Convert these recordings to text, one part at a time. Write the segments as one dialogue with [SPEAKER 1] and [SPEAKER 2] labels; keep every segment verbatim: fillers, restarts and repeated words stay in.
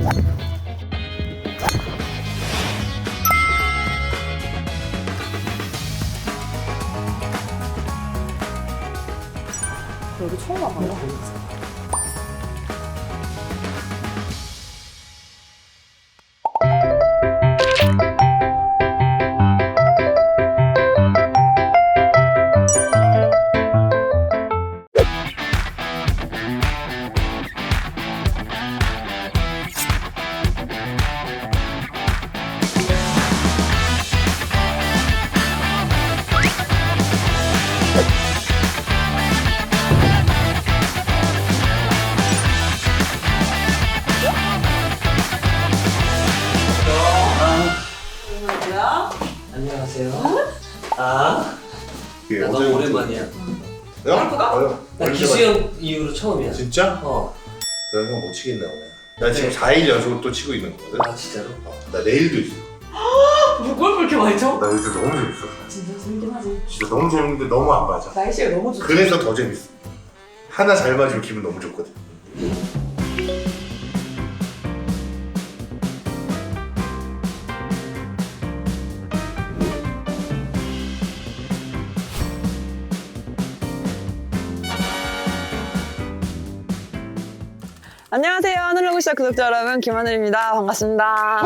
[SPEAKER 1] 여기 처음 와봐요.
[SPEAKER 2] 안녕하세요. 아,
[SPEAKER 3] 예,
[SPEAKER 2] 나 너무 오랜만이야.
[SPEAKER 3] 야?
[SPEAKER 2] 나 기수형 이후로 처음이야.
[SPEAKER 3] 진짜?
[SPEAKER 2] 어.
[SPEAKER 3] 그럼 형 못 치겠네 오늘. 나 지금 사 일 연속으로 또 치고 있는 거거든.
[SPEAKER 2] 아 진짜로?
[SPEAKER 3] 어, 나 내일도 있어.
[SPEAKER 1] 뭘 그렇게 많이 쳐?
[SPEAKER 3] 나 요즘 너무 재밌어.
[SPEAKER 1] 진짜 재밌긴 하지.
[SPEAKER 3] 진짜 너무 재밌는데 너무 안 맞아.
[SPEAKER 1] 날씨가 너무 좋지.
[SPEAKER 3] 그래서 더 재밌어. 하나 잘 맞으면 기분 너무 좋거든.
[SPEAKER 1] 안녕하세요. 하늘로그시아 구독자 여러분, 김하늘입니다. 반갑습니다.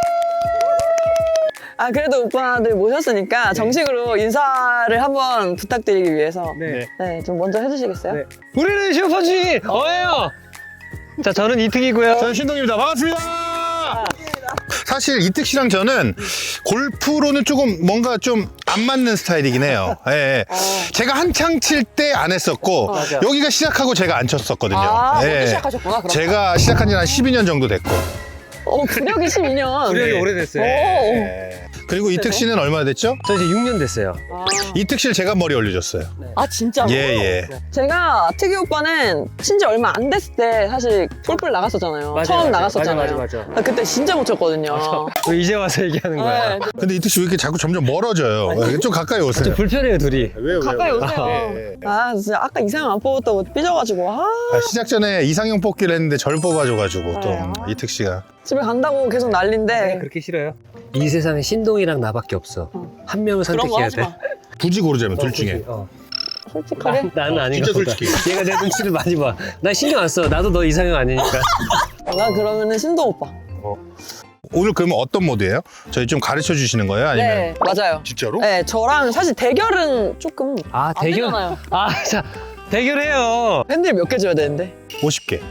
[SPEAKER 1] 아, 그래도 오빠들 모셨으니까 정식으로 인사를 한번 부탁드리기 위해서
[SPEAKER 4] 네.
[SPEAKER 1] 네, 좀 먼저 해주시겠어요?
[SPEAKER 4] 네. 우리는 슈퍼주의 어예요. 자, 저는 이특이고요.
[SPEAKER 5] 저는 신동입니다. 반갑습니다. 사실 이특 씨랑 저는 골프로는 조금 뭔가 좀 안 맞는 스타일이긴 해요. 예, 예.
[SPEAKER 1] 어.
[SPEAKER 5] 제가 한창 칠 때 안 했었고
[SPEAKER 1] 맞아.
[SPEAKER 5] 여기가 시작하고 제가 안 쳤었거든요.
[SPEAKER 1] 아,
[SPEAKER 5] 예.
[SPEAKER 1] 먼저 시작하셨구나. 그럼.
[SPEAKER 5] 제가 시작한 지 한 십이 년 정도 됐고.
[SPEAKER 1] 어, 구력이 십이 년.
[SPEAKER 4] 구력이
[SPEAKER 5] 네.
[SPEAKER 4] 오래됐어요.
[SPEAKER 1] 오.
[SPEAKER 5] 예. 그리고 이특 씨는 얼마나 됐죠?
[SPEAKER 4] 저 이제 육 년 됐어요.
[SPEAKER 1] 아.
[SPEAKER 5] 이특 씨를 제가 머리 올려줬어요.
[SPEAKER 1] 아, 진짜로?
[SPEAKER 5] 예, 예.
[SPEAKER 1] 제가 특이 오빠는 친지 얼마 안 됐을 때 사실 골프를 나갔었잖아요.
[SPEAKER 4] 맞아요,
[SPEAKER 1] 처음
[SPEAKER 4] 맞아요.
[SPEAKER 1] 나갔었잖아요.
[SPEAKER 4] 맞아, 맞아, 맞아.
[SPEAKER 1] 나 그때 진짜 못 쳤거든요.
[SPEAKER 4] 왜 이제 와서 얘기하는 거야?
[SPEAKER 1] 네.
[SPEAKER 5] 근데 이특 씨 왜 이렇게 자꾸 점점 멀어져요? 예, 좀 가까이 오세요.
[SPEAKER 4] 좀 불편해요, 둘이.
[SPEAKER 5] 왜요?
[SPEAKER 1] 가까이
[SPEAKER 5] 왜요?
[SPEAKER 1] 오세요.
[SPEAKER 5] 예, 예.
[SPEAKER 1] 아, 진짜 아까 이상형 안 뽑았다고 삐져가지고. 아,
[SPEAKER 5] 아, 시작 전에 이상형 뽑기를 했는데 절 뽑아줘가지고 또
[SPEAKER 1] 아.
[SPEAKER 5] 이특 씨가
[SPEAKER 1] 집에 간다고 계속 난린데.
[SPEAKER 4] 그렇게 싫어요? 이 세상에 신동이랑 나밖에 없어. 한 명을
[SPEAKER 1] 그런 거
[SPEAKER 4] 선택해야
[SPEAKER 1] 하지
[SPEAKER 4] 돼.
[SPEAKER 1] 마.
[SPEAKER 5] 굳이 고르자면
[SPEAKER 4] 어,
[SPEAKER 5] 둘 중에.
[SPEAKER 4] 그치, 어.
[SPEAKER 1] 솔직하게.
[SPEAKER 4] 나, 나는 아닌
[SPEAKER 5] 진짜
[SPEAKER 4] 것 같다.
[SPEAKER 5] 솔직히.
[SPEAKER 4] 얘가 내 눈치를 많이 봐. 나 신경 안 써. 나도 너 이상형 아니니까.
[SPEAKER 1] 나 그러면은 신동 오빠.
[SPEAKER 5] 오늘 그러면 어떤 모드예요? 저희 좀 가르쳐 주시는 거예요? 아니면
[SPEAKER 1] 네, 맞아요.
[SPEAKER 5] 진짜로?
[SPEAKER 1] 네, 저랑 사실 대결은 조금
[SPEAKER 4] 아,
[SPEAKER 1] 안
[SPEAKER 4] 대결?
[SPEAKER 1] 되잖아요.
[SPEAKER 4] 아, 자, 대결해요.
[SPEAKER 1] 팬들 몇 개 줘야 되는데.
[SPEAKER 5] 오십 개.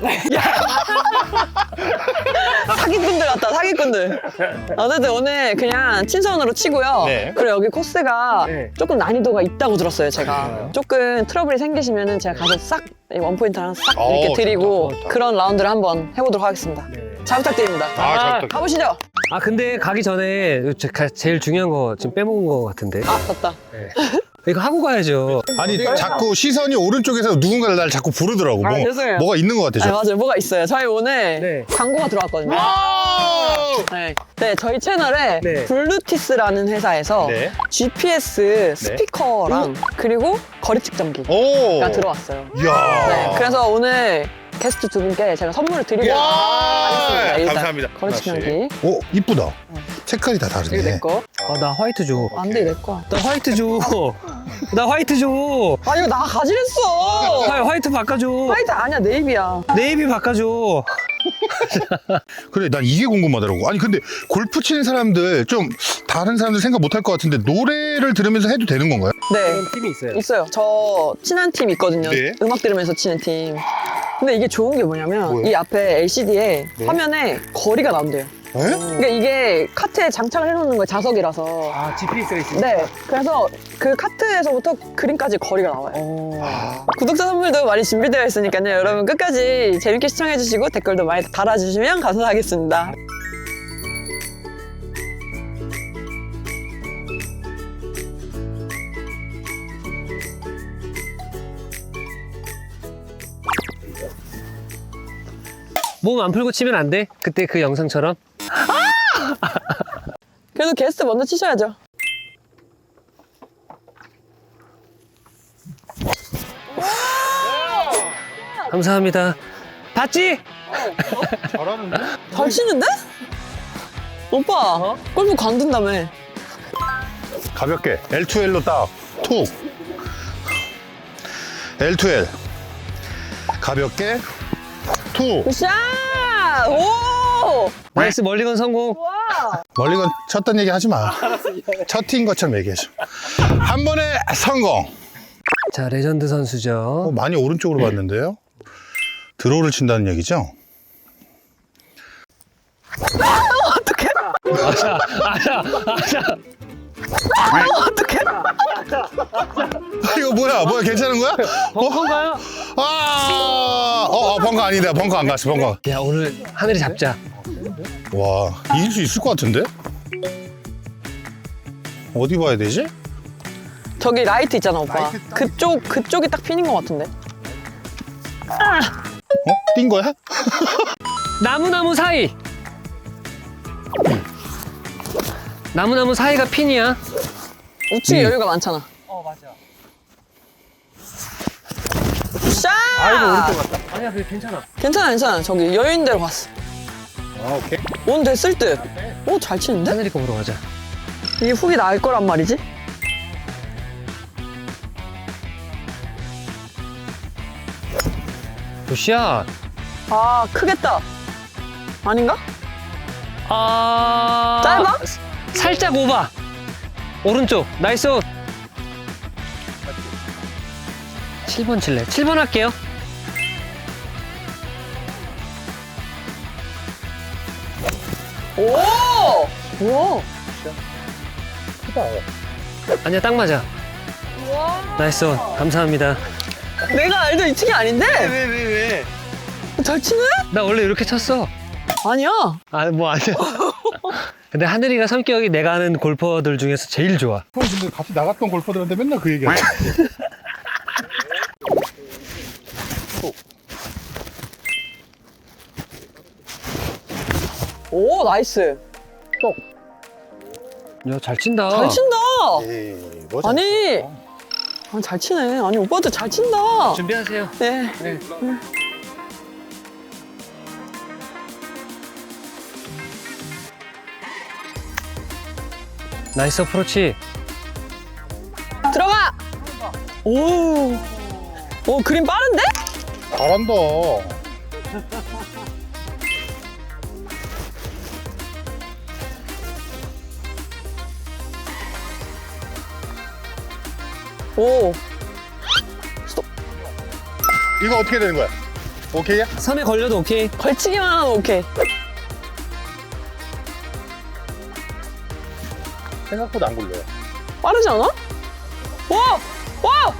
[SPEAKER 1] 사기꾼들 같다, 사기꾼들. 어쨌든 오늘 그냥 친선으로 치고요.
[SPEAKER 5] 네.
[SPEAKER 1] 그리고 여기 코스가
[SPEAKER 4] 네.
[SPEAKER 1] 조금 난이도가 있다고 들었어요, 제가.
[SPEAKER 4] 그래요?
[SPEAKER 1] 조금 트러블이 생기시면은 제가 가서 싹, 이 원포인트 하나 싹
[SPEAKER 5] 어,
[SPEAKER 1] 이렇게 드리고
[SPEAKER 4] 좋다, 좋다.
[SPEAKER 1] 그런 라운드를 한번 해보도록 하겠습니다.
[SPEAKER 4] 네.
[SPEAKER 1] 잘 부탁드립니다.
[SPEAKER 5] 아, 잘 부탁드립니다.
[SPEAKER 1] 가보시죠.
[SPEAKER 4] 아, 근데 가기 전에 제- 가- 제일 중요한 거 지금 빼먹은 거 같은데.
[SPEAKER 1] 아, 맞다.
[SPEAKER 4] 네. 이거 하고 가야죠.
[SPEAKER 5] 아니 자꾸 시선이 오른쪽에서 누군가를 날 자꾸 부르더라고.
[SPEAKER 1] 아,
[SPEAKER 5] 뭐,
[SPEAKER 1] 죄송해요.
[SPEAKER 5] 뭐가 있는 것
[SPEAKER 1] 아,
[SPEAKER 5] 같아요.
[SPEAKER 1] 맞아요. 뭐가 있어요. 저희 오늘
[SPEAKER 4] 네.
[SPEAKER 1] 광고가 들어왔거든요. 네. 네, 저희 채널에
[SPEAKER 4] 네.
[SPEAKER 1] 블루티스라는 회사에서
[SPEAKER 5] 네.
[SPEAKER 1] 지피에스 스피커랑 그리고 거리 측정기가
[SPEAKER 5] 오.
[SPEAKER 1] 들어왔어요.
[SPEAKER 5] 이야.
[SPEAKER 1] 네, 그래서 오늘 게스트 두 분께 제가 선물을 드리고
[SPEAKER 5] 야.
[SPEAKER 1] 하겠습니다. 일단
[SPEAKER 5] 감사합니다.
[SPEAKER 1] 거리 측정기.
[SPEAKER 5] 오 이쁘다. 색깔이 다
[SPEAKER 1] 이거 내
[SPEAKER 5] 다르네.
[SPEAKER 1] 거.
[SPEAKER 4] 아, 나 화이트 줘.
[SPEAKER 1] 안 돼, 내 거.
[SPEAKER 4] 나 화이트 줘. 나 화이트 줘.
[SPEAKER 1] 아, 이거 나 가지랬어.
[SPEAKER 4] 아, 화이트 바꿔줘.
[SPEAKER 1] 화이트 아니야, 네이비야.
[SPEAKER 4] 네이비 바꿔줘.
[SPEAKER 5] 그래 난 이게 궁금하더라고. 아니 근데 골프 치는 사람들 좀 다른 사람들 생각 못할 것 같은데 노래를 들으면서 해도 되는 건가요?
[SPEAKER 1] 네.
[SPEAKER 4] 그런 팀이 있어요.
[SPEAKER 1] 있어요. 저 친한 팀 있거든요.
[SPEAKER 5] 네.
[SPEAKER 1] 음악 들으면서 치는 팀. 근데 이게 좋은 게 뭐냐면
[SPEAKER 5] 뭐예요?
[SPEAKER 1] 이 앞에 엘시디에
[SPEAKER 5] 네.
[SPEAKER 1] 화면에 거리가 나온대요.
[SPEAKER 5] 에?
[SPEAKER 1] 그러니까 이게 카트에 장착을 해놓는 거예요. 자석이라서.
[SPEAKER 4] 아, 지피에스가 있어.
[SPEAKER 1] 네. 그래서 그 카트에서부터 그림까지 거리가 나와요. 구독자 선물도 많이 준비되어 있으니까요. 여러분 끝까지 재밌게 시청해주시고 댓글도 많이 달아주시면 감사하겠습니다.
[SPEAKER 4] 몸 안 풀고 치면 안 돼? 그때 그 영상처럼?
[SPEAKER 1] 그래도 게스트 먼저 치셔야죠.
[SPEAKER 4] 감사합니다. 봤지?
[SPEAKER 5] 잘하는데?
[SPEAKER 1] 잘 치는데? 오빠 골프 관둔다며.
[SPEAKER 5] 가볍게 엘 투 엘로 딱 툭. 엘 투 엘 가볍게 툭.
[SPEAKER 1] 굿샷! 오!
[SPEAKER 4] 나이스 멀리건 성공.
[SPEAKER 1] 와!
[SPEAKER 5] 멀리건 쳤던 얘기 하지 마. 첫 티인 것처럼 얘기해줘. 한 번에 성공.
[SPEAKER 4] 자, 레전드 선수죠.
[SPEAKER 5] 어, 많이 오른쪽으로 봤는데요. 드로우를 친다는 얘기죠?
[SPEAKER 1] 어떡해?
[SPEAKER 4] 아자, 아자, 아자.
[SPEAKER 1] 어떡해?
[SPEAKER 5] 이거 뭐야? 뭐야? 괜찮은 거야? 어?
[SPEAKER 4] 벙커인가요?
[SPEAKER 5] 아, 어, 어, 벙커 아니다. 벙커 안 갔어. 벙커.
[SPEAKER 4] 야, 오늘 하늘이 잡자.
[SPEAKER 5] 와, 이길 수 있을 것 같은데? 어디 봐야 되지?
[SPEAKER 1] 저기 라이트 있잖아, 오빠.
[SPEAKER 5] 라이트 딱
[SPEAKER 1] 그쪽, 그쪽이 딱 핀인 것 같은데.
[SPEAKER 5] 어? 뛴 거야?
[SPEAKER 4] 나무나무 사이. 나무나무 사이가 핀이야.
[SPEAKER 1] 우측에
[SPEAKER 5] 음.
[SPEAKER 1] 여유가 많잖아.
[SPEAKER 4] 어, 맞아.
[SPEAKER 1] 굿샷!
[SPEAKER 4] 아이고, 오른쪽 같다. 아니야, 그게 괜찮아.
[SPEAKER 1] 괜찮아, 괜찮아. 저기 여유 있는 대로 갔어.
[SPEAKER 5] 아, 오케이.
[SPEAKER 1] 온 됐을 듯. 오, 잘 치는데?
[SPEAKER 4] 하늘이 거 보러 가자.
[SPEAKER 1] 이게 훅이 나을 거란 말이지?
[SPEAKER 4] 굿샷.
[SPEAKER 1] 아, 크겠다. 아닌가?
[SPEAKER 4] 아.
[SPEAKER 1] 짧아?
[SPEAKER 4] 살짝 오바. 오른쪽. 나이스 온. 칠 번 칠래. 칠 번 할게요.
[SPEAKER 1] 오! 우와!
[SPEAKER 4] 아니야, 딱 맞아. 나이스 온. 감사합니다.
[SPEAKER 1] 내가 알던 이 층이 아닌데?
[SPEAKER 4] 왜, 왜, 왜?
[SPEAKER 1] 잘 치네?
[SPEAKER 4] 나 원래 이렇게 쳤어.
[SPEAKER 1] 아니야.
[SPEAKER 4] 아, 뭐 아니야. 근데 하늘이가 성격이 내가 아는 골퍼들 중에서 제일 좋아.
[SPEAKER 5] 형 근데 같이 나갔던 골퍼들한테 맨날 그 얘기하지.
[SPEAKER 1] 오, 나이스.
[SPEAKER 4] 야, 잘 친다.
[SPEAKER 1] 잘 친다.
[SPEAKER 5] 에이, 뭐
[SPEAKER 1] 아니, 아, 잘 치네. 아니, 오빠도 잘 친다.
[SPEAKER 4] 준비하세요.
[SPEAKER 1] 네.
[SPEAKER 4] 네. 나이스 어프로치.
[SPEAKER 1] 들어가! 오. 오, 그림 빠른데?
[SPEAKER 5] 잘한다.
[SPEAKER 1] 오.
[SPEAKER 5] 이거 어떻게 되는 거야? 오케이야?
[SPEAKER 4] 선에 걸려도 오케이.
[SPEAKER 1] 걸치기만 하면 오케이.
[SPEAKER 5] 생각보다 안 굴려요.
[SPEAKER 1] 빠르지 않아? 와! 와!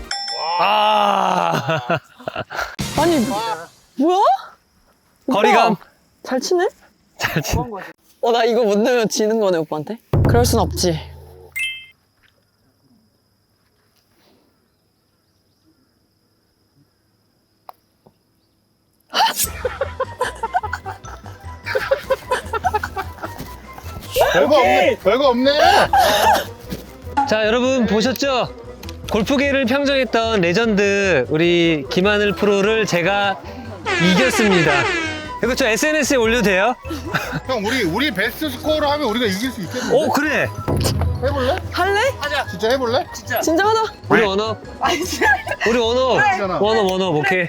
[SPEAKER 4] 아.
[SPEAKER 1] 아니, 뭐야? 오빠,
[SPEAKER 4] 거리감.
[SPEAKER 1] 잘 치네?
[SPEAKER 4] 잘 친.
[SPEAKER 1] 어, 나 이거 못 넣으면 지는 거네, 오빠한테? 그럴 순 없지.
[SPEAKER 5] 별거 없네. 별거 없네.
[SPEAKER 4] 자, 여러분 보셨죠? 골프계를 평정했던 레전드 우리 김하늘 프로를 제가 이겼습니다. 이거 저 에스엔에스에 올려도 돼요?
[SPEAKER 5] 형 우리 우리 베스트 스코어로 하면 우리가 이길 수 있겠는데?
[SPEAKER 4] 오, 그래.
[SPEAKER 5] 해볼래?
[SPEAKER 1] 할래?
[SPEAKER 5] 진짜 해볼래?
[SPEAKER 1] 진짜 하자.
[SPEAKER 4] 우리 원업. 우리 원업. 원업, 원업, 오케이.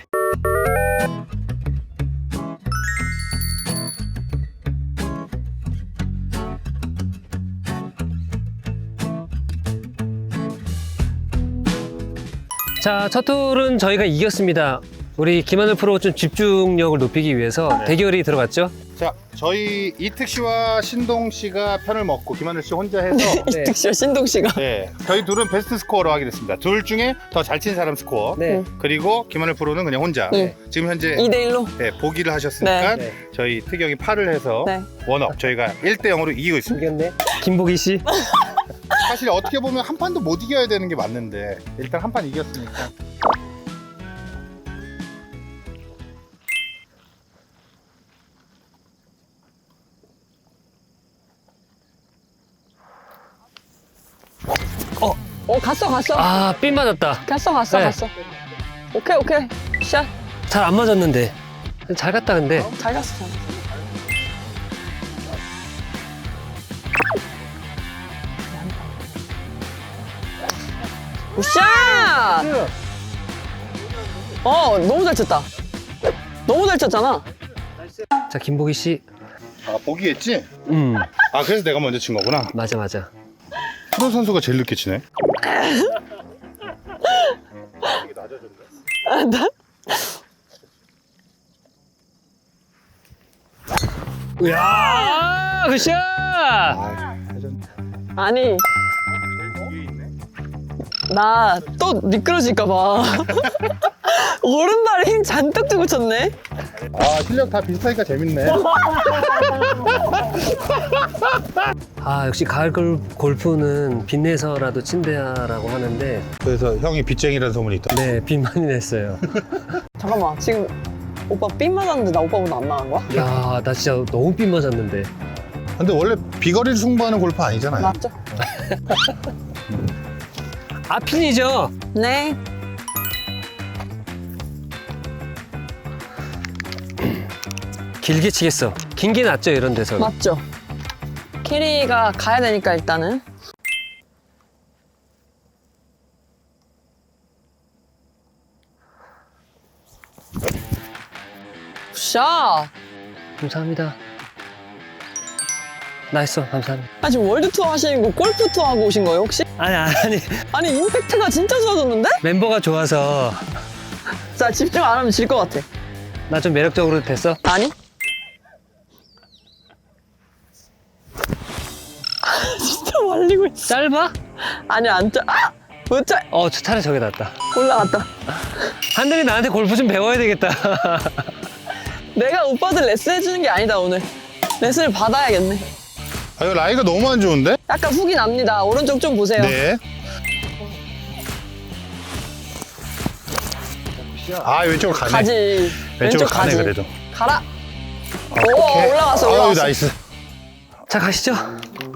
[SPEAKER 4] 자, 첫 홀은 저희가 이겼습니다. 우리 김하늘 프로 좀 집중력을 높이기 위해서
[SPEAKER 5] 네.
[SPEAKER 4] 대결이 들어갔죠?
[SPEAKER 5] 자, 저희 이특 씨와 신동 씨가 편을 먹고 김하늘 씨 혼자 해서
[SPEAKER 1] 이특 씨와 신동 씨가.
[SPEAKER 5] 네, 저희 둘은 베스트 스코어로 하게 됐습니다. 둘 중에 더 잘 친 사람 스코어.
[SPEAKER 4] 네.
[SPEAKER 5] 그리고 김하늘 프로는 그냥 혼자.
[SPEAKER 1] 네.
[SPEAKER 5] 지금 현재
[SPEAKER 1] 이 대 일로.
[SPEAKER 5] 네, 보기를 하셨으니까
[SPEAKER 4] 네.
[SPEAKER 5] 저희 특영이 팔을 해서
[SPEAKER 1] 네.
[SPEAKER 5] 원업 저희가 일 대 영으로 이기고 있습니다.
[SPEAKER 4] 이겼네. 김보기 씨.
[SPEAKER 5] 사실 어떻게 보면 한 판도 못 이겨야 되는 게 맞는데 일단 한 판 이겼으니까.
[SPEAKER 1] 어, 갔어, 갔어.
[SPEAKER 4] 아, 삔 맞았다.
[SPEAKER 1] 갔어, 갔어,
[SPEAKER 4] 네.
[SPEAKER 1] 갔어. 오케이, 오케이. 샷.
[SPEAKER 4] 잘 안 맞았는데. 잘 갔다 근데.
[SPEAKER 1] 잘 갔어, 잘 갔어. 굿샷! 어, 너무 잘 쳤다. 너무 잘 쳤잖아.
[SPEAKER 4] 자, 김보기 씨.
[SPEAKER 5] 아 보기했지?
[SPEAKER 4] 음,
[SPEAKER 5] 아 그래서 내가 먼저 친 거구나.
[SPEAKER 4] 맞아, 맞아.
[SPEAKER 5] 프로 선수가 제일 늦게 치네.
[SPEAKER 4] 이야, 굿샷!
[SPEAKER 1] 아니, 나 또 미끄러질까봐. 오른발에 힘 잔뜩 주고 쳤네.
[SPEAKER 5] 아 실력 다 비슷하니까 재밌네.
[SPEAKER 4] 아, 역시 가을 골- 골프는 빚내서라도 친대야라고 하는데,
[SPEAKER 5] 그래서 형이 빚쟁이라는 소문이 있다.
[SPEAKER 4] 네, 빚 많이 냈어요.
[SPEAKER 1] 잠깐만, 지금 오빠 삔 맞았는데 나 오빠보다 안 나간 거야?
[SPEAKER 4] 야, 나 진짜 너무 빚 맞았는데.
[SPEAKER 5] 근데 원래 비거리를 승부하는 골프 아니잖아요.
[SPEAKER 1] 맞죠?
[SPEAKER 4] 아핀이죠?
[SPEAKER 1] 네.
[SPEAKER 4] 길게 치겠어. 긴 게 낫죠, 이런 데서.
[SPEAKER 1] 맞죠? 캐리가 가야 되니까 일단은. 샷!
[SPEAKER 4] 감사합니다. 나이스, 감사합니다.
[SPEAKER 1] 아, 지금 월드 투어 하시는 거 골프 투어 하고 오신 거예요, 혹시?
[SPEAKER 4] 아니, 아니,
[SPEAKER 1] 아니, 임팩트가 진짜 좋아졌는데?
[SPEAKER 4] 멤버가 좋아서
[SPEAKER 1] 자, 집중 안 하면 질 것 같아.
[SPEAKER 4] 나 좀 매력적으로 됐어?
[SPEAKER 1] 아니? 아, 진짜 말리고 있어.
[SPEAKER 4] 짧아?
[SPEAKER 1] 아니, 안 짜. 아! 못 짜.
[SPEAKER 4] 어, 저 차라리 저게 낫다.
[SPEAKER 1] 올라갔다.
[SPEAKER 4] 한들이 나한테 골프 좀 배워야 되겠다.
[SPEAKER 1] 내가 오빠들 레슨 해주는 게 아니다, 오늘. 레슨을 받아야겠네.
[SPEAKER 5] 아 이거 라이가 너무 안 좋은데?
[SPEAKER 1] 약간 훅이 납니다. 오른쪽 좀 보세요.
[SPEAKER 5] 네. 아 왼쪽으로 가네.
[SPEAKER 1] 가지.
[SPEAKER 5] 왼쪽으로
[SPEAKER 1] 왼쪽
[SPEAKER 5] 가네
[SPEAKER 1] 가지.
[SPEAKER 5] 그래도.
[SPEAKER 1] 가라.
[SPEAKER 5] 오케이.
[SPEAKER 1] 오, 올라갔어,
[SPEAKER 5] 아유
[SPEAKER 1] 올라갔어.
[SPEAKER 5] 나이스.
[SPEAKER 4] 자, 가시죠.
[SPEAKER 1] 야,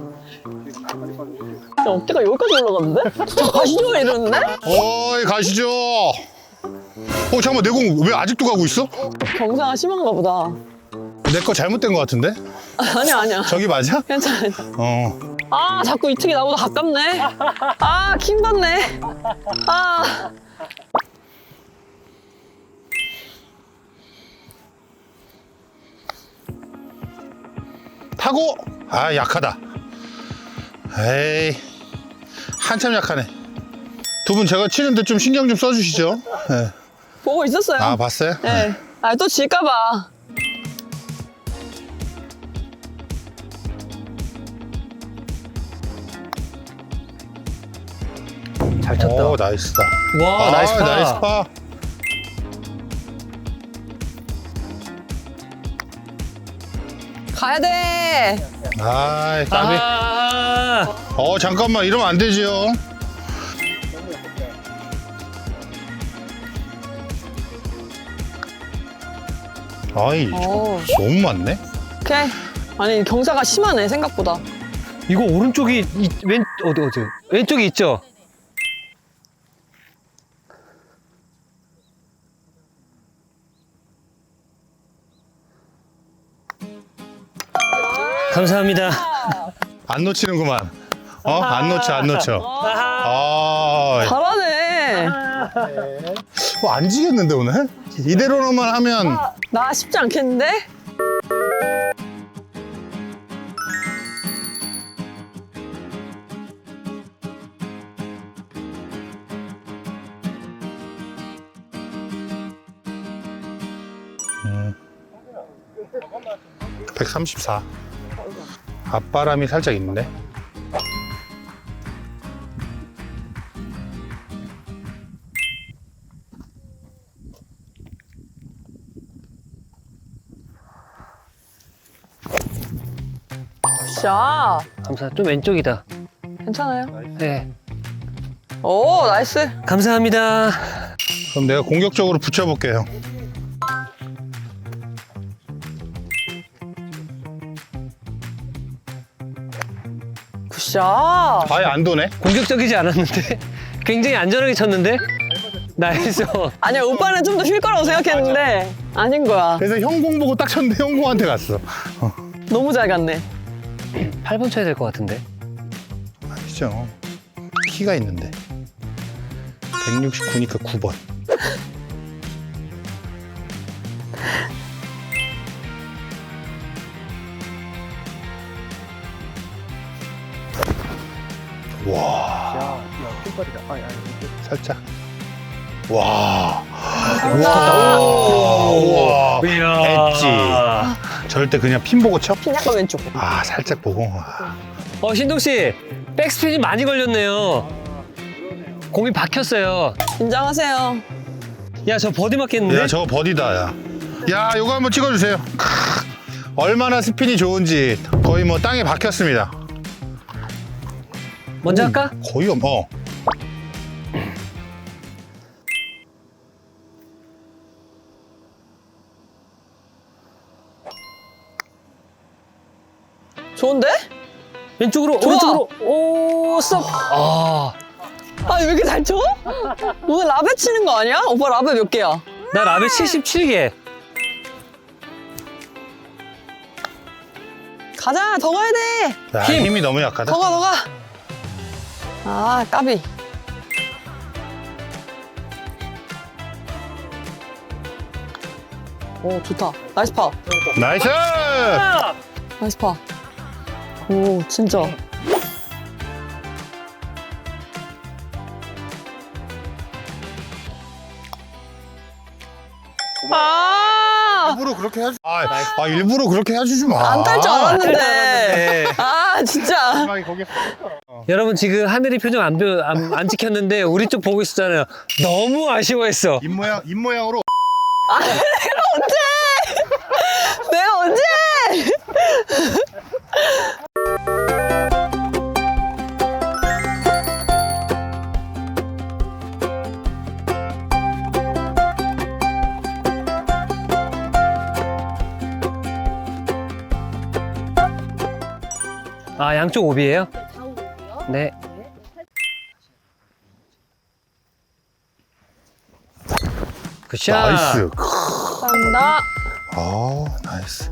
[SPEAKER 1] 어깨가 여기까지 올라갔는데? 저 가시죠, 이러는데?
[SPEAKER 5] 어이 가시죠. 어 잠깐만 내 공 왜 아직도 가고 있어?
[SPEAKER 1] 경사가 심한가 보다.
[SPEAKER 5] 내 거 잘못된 거 같은데?
[SPEAKER 1] 아니야, 아니야.
[SPEAKER 5] 저기 맞아?
[SPEAKER 1] 괜찮아. 괜찮아.
[SPEAKER 5] 어.
[SPEAKER 1] 아, 자꾸 이 층이 나보다 가깝네. 아, 킹 받네. 아.
[SPEAKER 5] 타고 아 약하다. 에이 한참 약하네. 두 분 제가 치는데 좀 신경 좀 써주시죠. 네.
[SPEAKER 1] 보고 있었어요.
[SPEAKER 5] 아 봤어요?
[SPEAKER 1] 네. 아, 또 질까봐.
[SPEAKER 4] 잘 쳤다.
[SPEAKER 5] 오 나이스다.
[SPEAKER 4] 와,
[SPEAKER 5] 아,
[SPEAKER 4] 나이스 파.
[SPEAKER 5] 나이스 파.
[SPEAKER 1] 가야 돼.
[SPEAKER 5] 아이 까비.
[SPEAKER 4] 아,
[SPEAKER 5] 어 잠깐만 이러면 안 되지요. 아이
[SPEAKER 1] 오.
[SPEAKER 5] 너무 많네.
[SPEAKER 1] 오케이. 아니, 경사가 심하네, 생각보다.
[SPEAKER 4] 이거 오른쪽이 이, 왼 어디 어디 왼쪽이 있죠? 감사합니다.
[SPEAKER 5] 안 놓치는구만. 어? 안 놓쳐 안 놓쳐. 아,
[SPEAKER 1] 잘하네.
[SPEAKER 5] 뭐 안 지겠는데 오늘? 이대로만 하면
[SPEAKER 1] 나 쉽지 않겠는데?
[SPEAKER 5] 백삼십사. 앞바람이 살짝 있는데.
[SPEAKER 1] 자,
[SPEAKER 4] 감사. 좀 왼쪽이다.
[SPEAKER 1] 괜찮아요.
[SPEAKER 4] 네.
[SPEAKER 1] 오, 나이스.
[SPEAKER 4] 감사합니다.
[SPEAKER 5] 그럼 내가 공격적으로 붙여볼게요.
[SPEAKER 1] 굿샷.
[SPEAKER 5] 아예 안 도네.
[SPEAKER 4] 공격적이지 않았는데 굉장히 안전하게 쳤는데. 나이스.
[SPEAKER 1] 아니야, 오빠는 좀 더 쉴 거라고 생각했는데 아닌 거야.
[SPEAKER 5] 그래서 형 공 보고 딱 쳤는데 형 공한테 갔어.
[SPEAKER 1] 너무 잘 갔네.
[SPEAKER 4] 팔 번 쳐야 될 것 같은데.
[SPEAKER 5] 아니죠. 키가 있는데. 백육십구니까 구 번. 와. 살짝. 와. 와. 와.
[SPEAKER 4] 이야.
[SPEAKER 5] 엣지. 절대 그냥 핀 보고 쳐?
[SPEAKER 1] 핀 약간 왼쪽.
[SPEAKER 5] 아, 살짝 보고. 와.
[SPEAKER 4] 어, 신동 씨, 백스핀이 많이 걸렸네요. 공이 박혔어요.
[SPEAKER 1] 긴장하세요.
[SPEAKER 4] 야, 저 버디 맞겠는데?
[SPEAKER 5] 야, 저거 버디다, 야. 야, 요거 한번 찍어주세요. 크, 얼마나 스핀이 좋은지 거의 뭐 땅에 박혔습니다.
[SPEAKER 4] 먼저 할까?
[SPEAKER 5] 거의 없, 어.
[SPEAKER 1] 좋은데?
[SPEAKER 4] 왼쪽으로,
[SPEAKER 1] 좋아.
[SPEAKER 4] 오른쪽으로. 오, 쏙. 아,
[SPEAKER 1] 아, 왜 이렇게 잘 쳐? 오늘 라베 치는 거 아니야? 오빠 라베 몇 개야?
[SPEAKER 4] 나 라벨 칠십칠 개.
[SPEAKER 1] 가자, 더 가야 돼.
[SPEAKER 5] 야,
[SPEAKER 4] 힘.
[SPEAKER 5] 힘이 너무 약하다.
[SPEAKER 1] 더 가, 더 가. 아, 까비. 오, 좋다. 나이스 파.
[SPEAKER 5] 나이스!
[SPEAKER 1] 나이스 파. 오, 진짜. 아!
[SPEAKER 5] 일부러 그렇게 해주. 아, 아 일부러 그렇게 해주지 마.
[SPEAKER 1] 안 탈 줄 알았는데.
[SPEAKER 4] 네.
[SPEAKER 1] 아, 진짜.
[SPEAKER 5] 마지막에 거기.
[SPEAKER 4] 여러분 지금 하늘이 표정 안, 보- 안, 안 찍혔는데 우리 쪽 보고 있었잖아요. 너무 아쉬워했어.
[SPEAKER 5] 입 모양 입 모양으로.
[SPEAKER 1] 내가 언제?
[SPEAKER 4] 아, 양쪽 오비예요? 네. 굿샷.
[SPEAKER 5] 나이스.
[SPEAKER 1] 감사합니다.
[SPEAKER 5] 아, 나이스.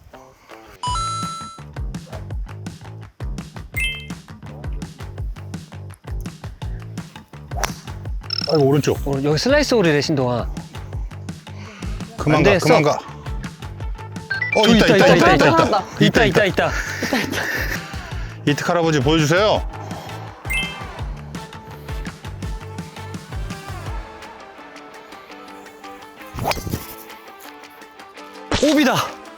[SPEAKER 5] 아이고 오른쪽.
[SPEAKER 4] 어, 여기 슬라이스 홀이래, 신동아.
[SPEAKER 5] 그만
[SPEAKER 4] 안
[SPEAKER 5] 가,
[SPEAKER 4] 돼,
[SPEAKER 5] 그만
[SPEAKER 4] 써.
[SPEAKER 5] 가. 어, 있다, 있다, 있다, 있다, 있다, 있다.
[SPEAKER 1] 있다.
[SPEAKER 4] 있다, 있다, 있다.
[SPEAKER 5] 이특 할아버지 보여주세요.
[SPEAKER 4] 오비다.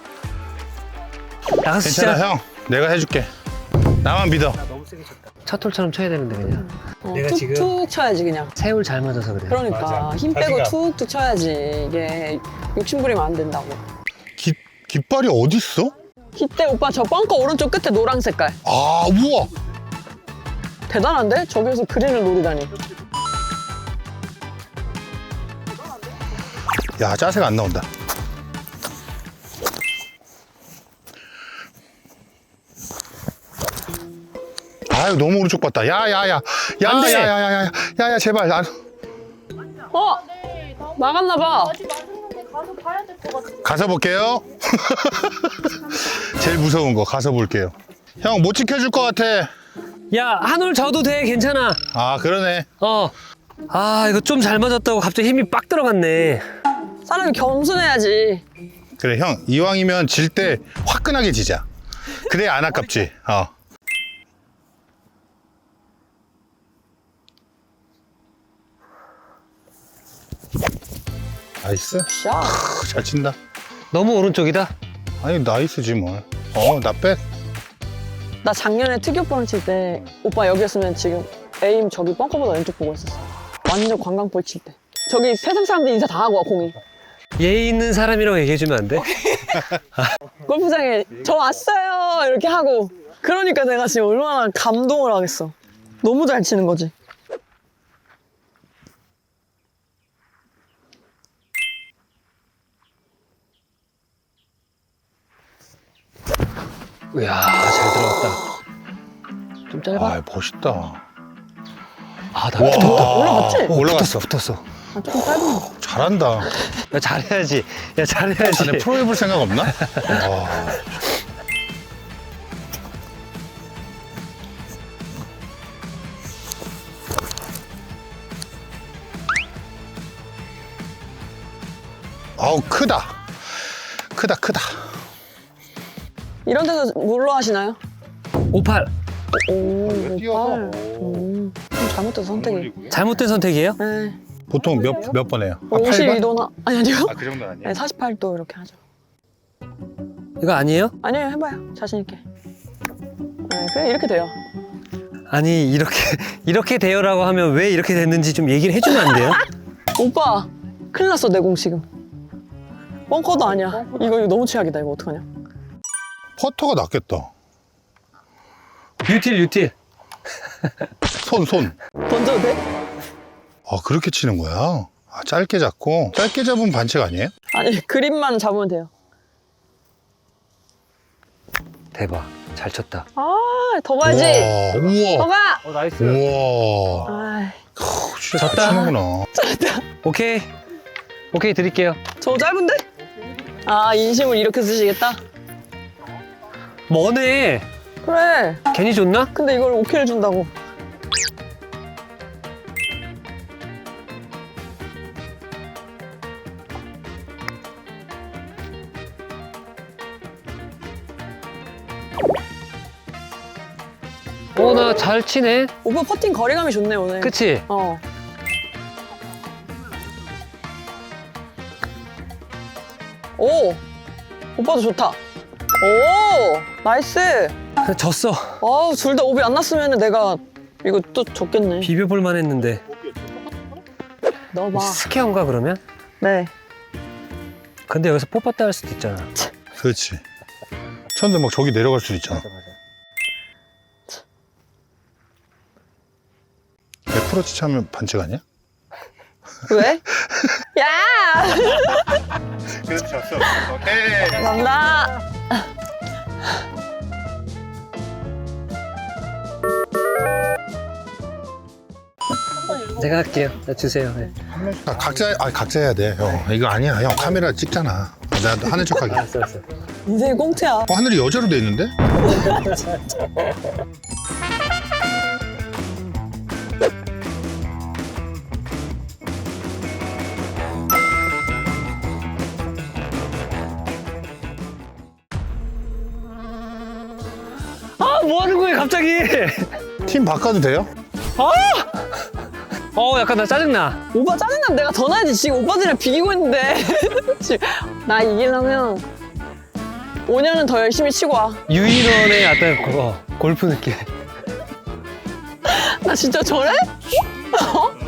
[SPEAKER 4] 나가서
[SPEAKER 5] 괜찮아,
[SPEAKER 4] 진짜
[SPEAKER 5] 형. 내가 해줄게. 나만 믿어.
[SPEAKER 4] 첫 홀처럼 쳐야 되는데 그냥.
[SPEAKER 1] 어,
[SPEAKER 4] 내가 지금-
[SPEAKER 1] 툭툭 쳐야지 그냥.
[SPEAKER 4] 세울 잘 맞아서 그래.
[SPEAKER 1] 그러니까 힘 빼고
[SPEAKER 5] 자기가.
[SPEAKER 1] 툭툭 쳐야지. 이게 욕심 부리면 안 된다고.
[SPEAKER 5] 깃 깃발이 어디 있어?
[SPEAKER 1] 이때 오빠 저 벙커 오른쪽 끝에 노랑 색깔.
[SPEAKER 5] 아, 우와.
[SPEAKER 1] 대단한데? 저기서 그린을 노리다니.
[SPEAKER 5] 야, 자세가 안 나온다. 아유, 너무 오른쪽 봤다. 야, 야, 야. 야,
[SPEAKER 4] 안 돼.
[SPEAKER 5] 야, 야, 야, 야, 야, 야, 제발. 나
[SPEAKER 1] 어? 나갔나 봐.
[SPEAKER 6] 아직 맞았는데 가서 봐야 될 것 같아.
[SPEAKER 5] 가서 볼게요. 제일 무서운 거 가서 볼게요. 형 못 지켜줄 것 같아.
[SPEAKER 4] 야, 한 홀 져도 돼. 괜찮아.
[SPEAKER 5] 아, 그러네.
[SPEAKER 4] 어. 아, 이거 좀 잘 맞았다고 갑자기 힘이 빡 들어갔네.
[SPEAKER 1] 사람이 겸손해야지.
[SPEAKER 5] 그래, 형 이왕이면 질 때 화끈하게 지자. 그래야 안 아깝지. 어. 나이스.
[SPEAKER 1] 샤.
[SPEAKER 5] 크, 잘 친다.
[SPEAKER 4] 너무 오른쪽이다.
[SPEAKER 5] 아니, 나이스지 뭘. 어, 나 백.
[SPEAKER 1] 나 작년에 특이오빠랑 칠 때 오빠 여기였으면 지금 에임 저기 벙커보다 왼쪽 보고 있었어. 완전 관광볼 칠 때. 저기 세상 사람들 인사 다 하고 와 공이.
[SPEAKER 4] 예의 있는 사람이라고 얘기해주면 안 돼?
[SPEAKER 1] 골프장에 저 왔어요 이렇게 하고. 그러니까 내가 지금 얼마나 감동을 하겠어. 너무 잘 치는 거지.
[SPEAKER 4] 이야, 잘 들어갔다. 좀 짧아?
[SPEAKER 5] 아, 멋있다.
[SPEAKER 4] 아, 나
[SPEAKER 5] 와.
[SPEAKER 4] 붙었다.
[SPEAKER 1] 올라갔지?
[SPEAKER 4] 어,
[SPEAKER 5] 올라갔어.
[SPEAKER 4] 붙었어, 붙었어.
[SPEAKER 1] 아, 조금 짧은 거.
[SPEAKER 5] 잘한다.
[SPEAKER 4] 야, 잘해야지. 야, 잘해야지.
[SPEAKER 5] 자네 프로 해볼 생각 없나? 와. 아우 크다. 크다 크다.
[SPEAKER 1] 이런 데서 뭘로 하시나요?
[SPEAKER 4] 오팔.
[SPEAKER 1] 오,
[SPEAKER 5] 왜 뛰어서?
[SPEAKER 1] 오팔. 음, 좀 잘못된 선택이.
[SPEAKER 4] 잘못된 선택이에요?
[SPEAKER 1] 네.
[SPEAKER 5] 보통 몇 몇 번 해요? 아,
[SPEAKER 1] 오십이 도나? 아니, 아니요.
[SPEAKER 5] 아그 정도는 아니에요?
[SPEAKER 1] 네, 사십팔 도 이렇게 하죠.
[SPEAKER 4] 이거 아니에요?
[SPEAKER 1] 아니에요, 해봐요. 자신있게. 네, 그냥 이렇게 돼요.
[SPEAKER 4] 아니, 이렇게, 이렇게 돼요라고 하면 왜 이렇게 됐는지 좀 얘기를 해주면 안 돼요?
[SPEAKER 1] 오빠, 큰일 났어, 내 공 지금. 벙커도 아니야. 이거, 이거 너무 최악이다. 이거 어떡하냐?
[SPEAKER 5] 퍼터가 낫겠다.
[SPEAKER 4] 유틸, 유틸.
[SPEAKER 5] 손 손.
[SPEAKER 1] 던져도 돼?
[SPEAKER 5] 아 그렇게 치는 거야? 아, 짧게 잡고 짧게 잡으면 반칙 아니에요?
[SPEAKER 1] 아니, 그립만 잡으면 돼요.
[SPEAKER 4] 대박. 잘 쳤다.
[SPEAKER 1] 아, 더 가야지.
[SPEAKER 5] 우와
[SPEAKER 1] 더
[SPEAKER 5] 우와
[SPEAKER 1] 가!
[SPEAKER 4] 어, 나이스.
[SPEAKER 5] 우와.
[SPEAKER 1] 아,
[SPEAKER 5] 크, 진짜 잘
[SPEAKER 4] 졌다.
[SPEAKER 5] 치는구나.
[SPEAKER 4] 오케이. 오케이, 드릴게요.
[SPEAKER 1] 저 짧은데? 아, 인심을 이렇게 쓰시겠다?
[SPEAKER 4] 뭐네.
[SPEAKER 1] 그래.
[SPEAKER 4] 괜히 줬나?
[SPEAKER 1] 근데 이걸 오케이를 준다고.
[SPEAKER 4] 어, 나 잘 치네.
[SPEAKER 1] 오빠 퍼팅 거리감이 좋네, 오늘.
[SPEAKER 4] 그치?
[SPEAKER 1] 어. 오! 오빠도 좋다. 오! 나이스!
[SPEAKER 4] 졌어.
[SPEAKER 1] 아우, 둘 다 오비 안 났으면 내가 이거 또 졌겠네.
[SPEAKER 4] 비벼볼만 했는데.
[SPEAKER 1] 넣어봐.
[SPEAKER 4] 스퀘어인가, 그러면?
[SPEAKER 1] 네.
[SPEAKER 4] 근데 여기서 뽑았다 할 수도 있잖아.
[SPEAKER 5] 그렇지. 쳤는데 막 저기 내려갈 수도 있잖아. 백 퍼센트 차면 반칙 아니야?
[SPEAKER 1] 왜? 야!
[SPEAKER 5] 그렇지 졌어. 오케이.
[SPEAKER 1] 감사합니다.
[SPEAKER 4] 제가 할게요. 자, 주세요. 네.
[SPEAKER 5] 아, 각자 아 각자 해야 돼. 형 이거 아니야. 형 카메라 찍잖아. 나 하는 척하게.
[SPEAKER 4] 알았어, 알았어.
[SPEAKER 1] 인생이 꽁트야.
[SPEAKER 5] 어, 하늘이 여자로 돼 있는데?
[SPEAKER 4] 아, 뭐 하는 거예요, 갑자기?
[SPEAKER 5] 팀 바꿔도 돼요?
[SPEAKER 4] 어, 약간 나 짜증나.
[SPEAKER 1] 오빠 짜증나면 내가 더 나야지. 지금 오빠들이랑 비기고 있는데. 지금 나 이기려면 오 년은 더 열심히 치고 와.
[SPEAKER 4] 유인원의 어떤 그거, 골프 느낌.
[SPEAKER 1] 나 진짜 저래? 어?